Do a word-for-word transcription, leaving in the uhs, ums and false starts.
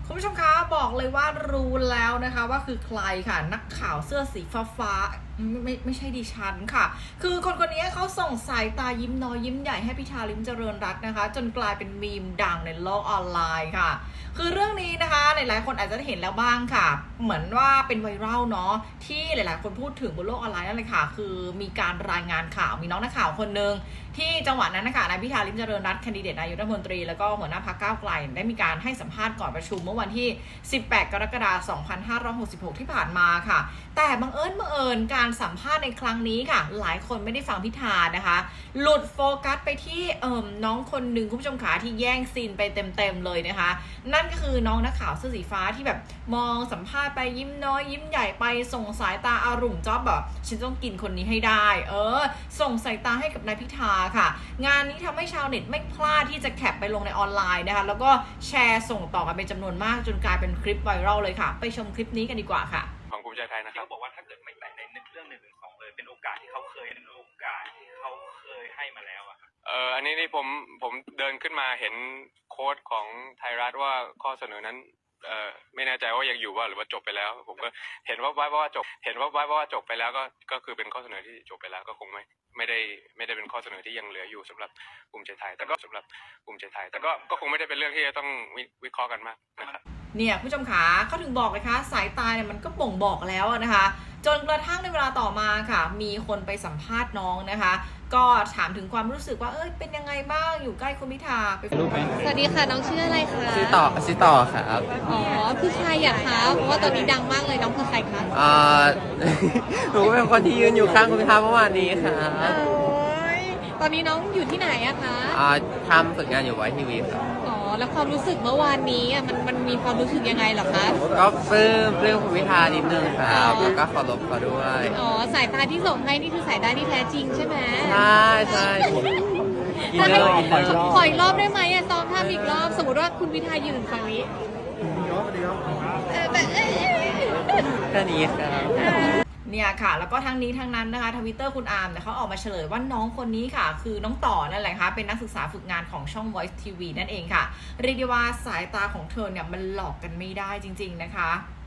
คุณผู้ชมคะบอกเลยว่ารู้แล้วนะคะว่าคือใครค่ะนักข่าวเสื้อสีฟ้าฟ้าไม่ไม่ไม่ใช่ดิฉันค่ะคือคนคนนี้เขาส่งสายตายิ้มน้อยยิ้มใหญ่ให้พิธาลิ้มเจริญรัตน์นะคะจนกลายเป็นมีมดังในโลกออนไลน์ค่ะคือเรื่องนี้นะคะหลายๆคนอาจจะได้เห็นแล้วบ้างค่ะเหมือนว่าเป็นไวรัลเนาะที่หลายๆคนพูดถึงบนโลกออนไลน์นั่นเลยค่ะคือมีการรายงานข่าวมีน้องนักข่าวคนหนึ่งที่จังหวะนั้นนะคะนายพิธาลิ้มเจริญรัตน์แคนดิเดตนายกรัฐมนตรีแล้วก็หัวหน้าพรรคก้าวไกลได้มีการให้สัมภาษณ์ก่อนประชุมเมื่อวันที่สิบแปดกรกฎาคมสองพันห้าร้อยหกสิบหกที่ผ่านมาค่ะแต่บังเอิญบังเอิญการสัมภาษณ์ในครั้งนี้ค่ะหลายคนไม่ได้ฟังพิธานะคะหลุดโฟกัสไปที่เอ่อน้องคนหนึ่งคุณผู้ชมขาที่แย่งซีนไปเต็มๆเลยนะคะนั่นก็คือน้องนักข่าวเสื้อสีฟ้าที่แบบมองสัมภาษณ์ไปยิ้มน้อยยิ้มใหญ่ไปส่งสายตาอารุ่มจ๊อบแบบฉันต้องกินคนนี้ให้ได้เออส่งสายตาให้กับนายพิธาค่ะงานนี้ทำให้ชาวเน็ตไม่พลาดที่จะแคปไปลงในออนไลน์นะคะแล้วก็แชร์ส่งต่อกันเป็นจำนวนมากจนกลายเป็นคลิปไวรัลเลยค่ะไปชมคลิปนี้กันดีกว่าค่ะของภูมิใจไทยนะครับเขาบอกว่าถ้าเกิดไม่แตะในเรื่องหนึ่งหนึ่งสองเลยเป็นโอกาสที่เขาเคยเป็นโอกาสที่เขาเคยให้มาแล้วอะครับเอ่ออันนี้นี่ผมผมเดินขึ้นมาเห็นโค้ดของไทยรัฐว่าข้อเสนอนั้นเอ่อไม่แน่ใจว่ายังอยู่ว่าหรือว่าจบไปแล้วผมก็เห็นว่าว่าว่าจบเห็นว่าว่าว่าจบไปแล้วก็ก็คือเป็นข้อเสนอที่จบไปแล้วก็คงไม่ไม่ได้ไม่ได้เป็นข้อเสนอที่ยังเหลืออยู่สำหรับภูมิใจไทยแต่ก็สำหรับภูมิใจไทยแต่ก็ก็คงไม่ได้เป็นเรื่องที่จะต้องวิเคราะห์กันมากนะครับเนี่ยผู้ชมขาเขาถึงบอกเลยค่ะสายตาเนี่ยมันก็บ่งบอกแล้วนะคะจนกระทั่งในเวลาต่อมาค่ะมีคนไปสัมภาษณ์น้องนะคะก็ถามถึงความรู้สึกว่าเอ้ยเป็นยังไงบ้างอยู่ใกล้คุณพิธาไปฟังกันสวัสดีค่ะน้องชื่ออะไรคะชื่อต่อชื่อต่อครับอ๋อคือใครอะคะเพราะว่าตอนนี้ดังมากเลยน้องคือใครคะอ่า หนูก็เป็นคนที่ยืนอยู่ข้างคุณพิธาเมื่อวานนี้ค่ะโอ้ยตอนนี้น้องอยู่ที่ไหนอะคะอ่าทำฝึกงานอยู่ไว้ทีวีครับอ๋อแล้วความรู้สึกเมื่อวานนี้อะมันมันมีความรู้สึกยังไงเหรอคะก็ปลื้มปลื้มคุณพิธานิดนึงครับแล้วก็เคารพเขาด้วยอ๋อสายตาที่ส่งให้นี่คือสายตาที่แท้จริงใช่ไหมใช่ใช่อินเนอร์อินเนอร์ขออีกรอบได้ไหมอะซ้อมท่าอีกรอบสมมติว่าคุณพิธายืนฝั่งนี้เออแบบแค่นี้ครับเนี่ยค่ะแล้วก็ทั้งนี้ทั้งนั้นนะคะทวิตเตอร์คุณอาร์มเนี่ยเขาออกมาเฉลยว่าน้องคนนี้ค่ะคือน้องต่อนั่นแหละค่ะเป็นนักศึกษาฝึกงานของช่อง Voice ที วี นั่นเองค่ะเรียกได้ว่าสายตาของเธอเนี่ยมันหลอกกันไม่ได้จริงๆนะคะ